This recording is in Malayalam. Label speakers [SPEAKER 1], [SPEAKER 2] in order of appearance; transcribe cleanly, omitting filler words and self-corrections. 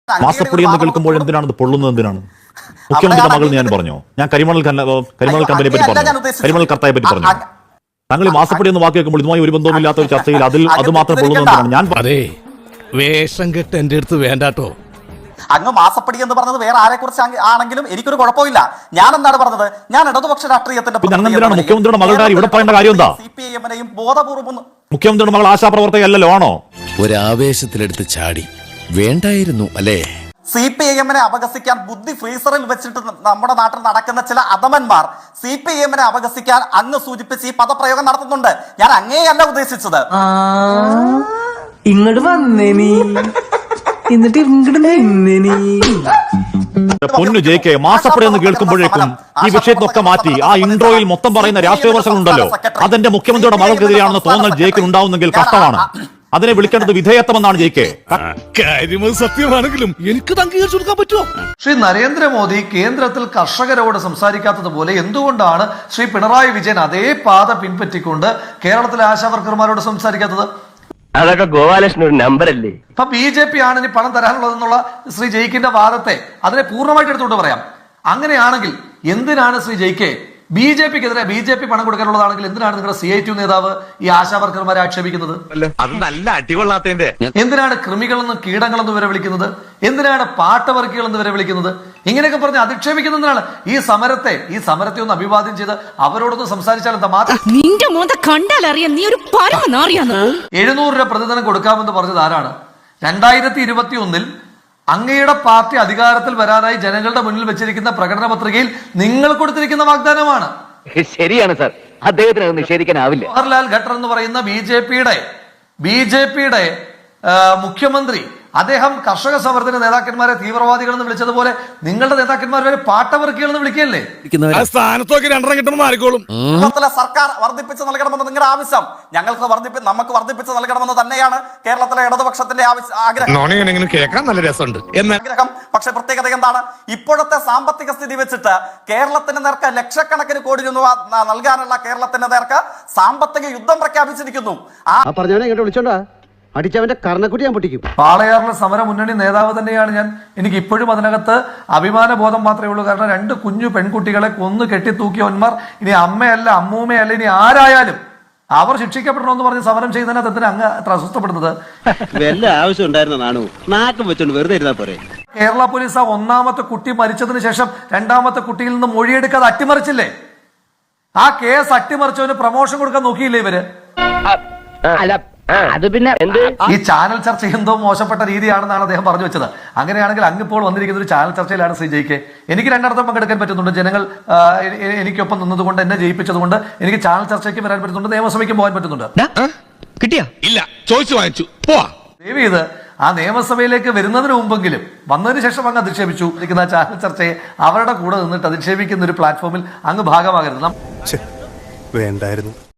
[SPEAKER 1] മാസപ്പൊടി എന്ന് കേൾക്കുമ്പോൾ എന്തിനാണ് ഇത് പൊള്ളുന്നത്? എന്തിനാണ്? മുഖ്യമന്ത്രിയുടെ മകൾ ഞാൻ പറഞ്ഞോ? ഞാൻ കരിമണൽ കമ്പനിയെ പറ്റി പറഞ്ഞു, കരിമണൽ കർത്തായെ പറ്റി പറഞ്ഞു. താങ്കൾ ഈ മാസപ്പൊടി എന്ന് വാക്ക് കേൾക്കുമ്പോൾ ഇതുമായി ഒരു ബന്ധവുമില്ലാത്ത ഒരു ചർച്ചയിൽ അത് മാത്രം പൊള്ളുന്നതാണ് ഞാൻ.
[SPEAKER 2] അതെ, വേഷം കെട്ട് എന്റെ അടുത്ത് വേണ്ടാട്ടോ.
[SPEAKER 3] അങ്ങ് മാസപ്പടി എന്ന് പറഞ്ഞത് വേറെ ആരെ കുറിച്ച് ആണെങ്കിലും എനിക്കൊരു കുഴപ്പമില്ല. ഞാൻ എന്താണ് പറഞ്ഞത്? ഞാൻ ഇടതുപക്ഷ രാഷ്ട്രീയത്തിന്റെ
[SPEAKER 1] മുഖ്യമന്ത്രിയുടെ മകളുടെ ഇവിടെ പറയേണ്ട കാര്യം എന്താ?
[SPEAKER 3] CPIM-നെയും ബോധപൂർവ്വം
[SPEAKER 1] മുഖ്യമന്ത്രിയുടെ മകൾ ആശാപ്രവർത്തകയല്ലോ ആണോ?
[SPEAKER 2] ഒരാവേശത്തിലെടുത്ത് ചാടി വേണ്ടായിരുന്നു അല്ലേ?
[SPEAKER 3] CPIM-നെ അപഹസിക്കാൻ ബുദ്ധി ഫ്രീസറിൽ വെച്ചിട്ട് നമ്മുടെ നാട്ടിൽ നടക്കുന്ന ചില അധമന്മാർ CPIM-നെ അപഹസിക്കാൻ അങ്ങ് സൂചിപ്പിച്ച് ഈ പദപ്രയോഗം നടത്തുന്നുണ്ട്. ഞാൻ അങ്ങേയല്ല ഉദ്ദേശിച്ചത്.
[SPEAKER 4] ഇങ്ങോട്ട് വന്നേ നീ, എന്നിട്ട് ഇങ്ങോട്ട് നിന്നേ നീ.
[SPEAKER 1] പൊന്നു JK, മാസപ്പടി എന്ന് കേൾക്കുമ്പോഴേക്കും ഈ വിഷയത്തിനൊക്കെ മാറ്റി ആ ഇൻട്രോയിൽ മൊത്തം പറയുന്ന രാഷ്ട്രീയ വർഷങ്ങളുണ്ടല്ലോ, അതെന്റെ മുഖ്യമന്ത്രിയുടെ മകൾക്കെതിരെയാണെന്ന് തോന്നൽ JK ഉണ്ടാവുന്നെങ്കിൽ കഷ്ടമാണ്. അതിനെ വിളിക്കേണ്ടത് വിധേയത്വമെന്നാണ് JK.
[SPEAKER 2] കാര്യം സത്യമാണെങ്കിലും എനിക്ക് അംഗീകരിച്ചു കൊടുക്കാൻ പറ്റുമോ?
[SPEAKER 5] ശ്രീ നരേന്ദ്രമോദി കേന്ദ്രത്തിൽ കർഷകരോട് സംസാരിക്കാത്തതുപോലെ എന്തുകൊണ്ടാണ് ശ്രീ പിണറായി വിജയൻ അതേ പാത പിൻപറ്റിക്കൊണ്ട് കേരളത്തിലെ ആശാവർക്കർമാരോട് സംസാരിക്കാത്തത്?
[SPEAKER 6] അതൊക്കെ ഗോപാലകൃഷ്ണൻ ഒരു നമ്പറല്ലേ.
[SPEAKER 5] ഇപ്പൊ BJP ആണ് ഇനി പണം തരാനുള്ളതെന്നുള്ള ശ്രീ ജയിക്കിന്റെ വാദത്തെ അതിനെ പൂർണ്ണമായിട്ട് എടുത്തുകൊണ്ട് പറയാം. അങ്ങനെയാണെങ്കിൽ എന്തിനാണ് ശ്രീ ജയിക്കെ BJP-ക്കെതിരെ BJP പണം കൊടുക്കാനുള്ളതാണെങ്കിൽ എന്തിനാണ് നിങ്ങളുടെ CITU നേതാവ് ഈ ആശാവർക്കർമാരെ ആക്ഷേപിക്കുന്നത്?
[SPEAKER 6] അത് നല്ല അടികൊള്ളാത്തതിന്റെ.
[SPEAKER 5] എന്തിനാണ് കൃമികളെന്നും കീടങ്ങളെന്ന് വരെ വിളിക്കുന്നത്? എന്തിനാണ് പാട്ടവർക്കികളെന്ന് വരെ വിളിക്കുന്നത്? ഇങ്ങനെയൊക്കെ പറഞ്ഞ് അധിക്ഷേപിക്കുന്നതിനാണ് ഈ സമരത്തെ ഒന്ന് അഭിവാദ്യം ചെയ്ത് അവരോടൊന്ന് സംസാരിച്ചാൽ എന്താ മാത്രം 700 രൂപ പ്രതിദിനം കൊടുക്കാമെന്ന് പറഞ്ഞത് ആരാണ്? 2021 അങ്ങയുടെ പാർട്ടി അധികാരത്തിൽ വരാനായി ജനങ്ങളുടെ മുന്നിൽ വെച്ചിരിക്കുന്ന പ്രകടന പത്രികയിൽ നിങ്ങൾ കൊടുത്തിരിക്കുന്ന വാഗ്ദാനമാണ്.
[SPEAKER 6] ശരിയാണ് സാർ, അദ്ദേഹത്തിന് അത് നിഷേധിക്കാനാവില്ല.
[SPEAKER 5] ജവഹർലാൽ ഖട്ടർ എന്ന് പറയുന്ന ബിജെപിയുടെ മുഖ്യമന്ത്രി, അദ്ദേഹം കർഷക സമരത്തിന്റെ നേതാക്കന്മാരെ തീവ്രവാദികൾ എന്ന് വിളിച്ചതുപോലെ നിങ്ങളുടെ നേതാക്കന്മാർ വരെ പാട്ടവർക്കികൾ എന്ന് വിളിക്കുകയല്ലേ?
[SPEAKER 2] സ്ഥാനത്തൊക്കെ 2 കിട്ടുമ്പോൾ ആർക്കോളും.
[SPEAKER 3] സർക്കാർ വർദ്ധിപ്പിച്ച് നൽകണമെന്ന് നിങ്ങളുടെ ആവശ്യം നമുക്ക് വർദ്ധിപ്പിച്ച് നൽകണമെന്ന് തന്നെയാണ് കേരളത്തിലെ ഇടതുപക്ഷത്തിന്റെ ആഗ്രഹം.
[SPEAKER 2] കേൾക്കാൻ നല്ല രസമുണ്ട്.
[SPEAKER 3] പക്ഷെ പ്രത്യേകത എന്താണ്? ഇപ്പോഴത്തെ സാമ്പത്തിക സ്ഥിതി വെച്ചിട്ട് കേരളത്തിന് നേർക്ക് ലക്ഷക്കണക്കിന് കോടി രൂപ നൽകാനുള്ള കേരളത്തിന്റെ നേർക്ക് സാമ്പത്തിക യുദ്ധം പ്രഖ്യാപിച്ചിരിക്കുന്നു.
[SPEAKER 7] അടിച്ചവന്റെ കർണക്കുട്ടി ഞാൻ പൊട്ടിക്കും.
[SPEAKER 5] പാളയാറിലെ സമര മുന്നണി നേതാവ് തന്നെയാണ് ഞാൻ. എനിക്ക് ഇപ്പോഴും അതിനകത്ത് അഭിമാന ബോധം മാത്രമേ ഉള്ളൂ. കാരണം 2 കുഞ്ഞു പെൺകുട്ടികളെ കൊന്നു കെട്ടിത്തൂക്കിയവന്മാർ ഇനി അമ്മയല്ല അമ്മൂമ്മയല്ല ഇനി ആരായാലും അവർ ശിക്ഷിക്കപ്പെടണമെന്ന് പറഞ്ഞ് സമരം ചെയ്യുന്നതിനകത്ത് എന്തിനാ അങ്ങ് അത്ര അസ്വസ്ഥപ്പെടുന്നത്?
[SPEAKER 7] വല്ല ആവശ്യം ഉണ്ടായിരുന്ന നാണു നാക്കം വെച്ചോണ്ട് വെറുതെ ഇരുന്നാ പോരെ.
[SPEAKER 5] കേരള പോലീസ് ആ 1ാമത്തെ കുട്ടി മരിച്ചതിന് ശേഷം 2ാമത്തെ കുട്ടിയിൽ നിന്ന് മൊഴിയെടുക്കാതെ അട്ടിമറിച്ചില്ലേ? ആ കേസ് അട്ടിമറിച്ചവന് പ്രമോഷൻ കൊടുക്കാൻ നോക്കിയില്ലേ ഇവര്?
[SPEAKER 6] അത് പിന്നെ
[SPEAKER 5] ഈ ചാനൽ ചർച്ച എന്തോ മോശപ്പെട്ട രീതിയാണെന്നാണ് അദ്ദേഹം പറഞ്ഞു വെച്ചത്. അങ്ങനെയാണെങ്കിൽ അങ്ങിപ്പോൾ വന്നിരിക്കുന്ന ഒരു ചാനൽ ചർച്ചയിലാണ് ശ്രീ ജയിക്കെ. എനിക്ക് 2 പങ്കെടുക്കാൻ പറ്റുന്നുണ്ട്. ജനങ്ങൾ എനിക്കൊപ്പം നിന്നതുകൊണ്ട്, എന്നെ ജയിപ്പിച്ചതുകൊണ്ട് എനിക്ക് ചാനൽ ചർച്ചയ്ക്ക് വരാൻ പറ്റുന്നുണ്ട്, നിയമസഭയ്ക്ക് പോകാൻ പറ്റുന്നുണ്ട്.
[SPEAKER 2] കിട്ടിയാ ഇല്ല, ചോദിച്ചു വാങ്ങിച്ചു പോവാ.
[SPEAKER 5] ദയവ് ചെയ്ത് ആ നിയമസഭയിലേക്ക് വരുന്നതിന് മുമ്പെങ്കിലും വന്നതിന് ശേഷം അങ്ങ് അധിക്ഷേപിച്ചു ഇരിക്കുന്ന ചാനൽ ചർച്ചയെ അവരുടെ കൂടെ നിന്നിട്ട് അധിക്ഷേപിക്കുന്ന ഒരു പ്ലാറ്റ്ഫോമിൽ അങ്ങ് ഭാഗമാകരുത്.
[SPEAKER 8] വേണ്ടായിരുന്നു.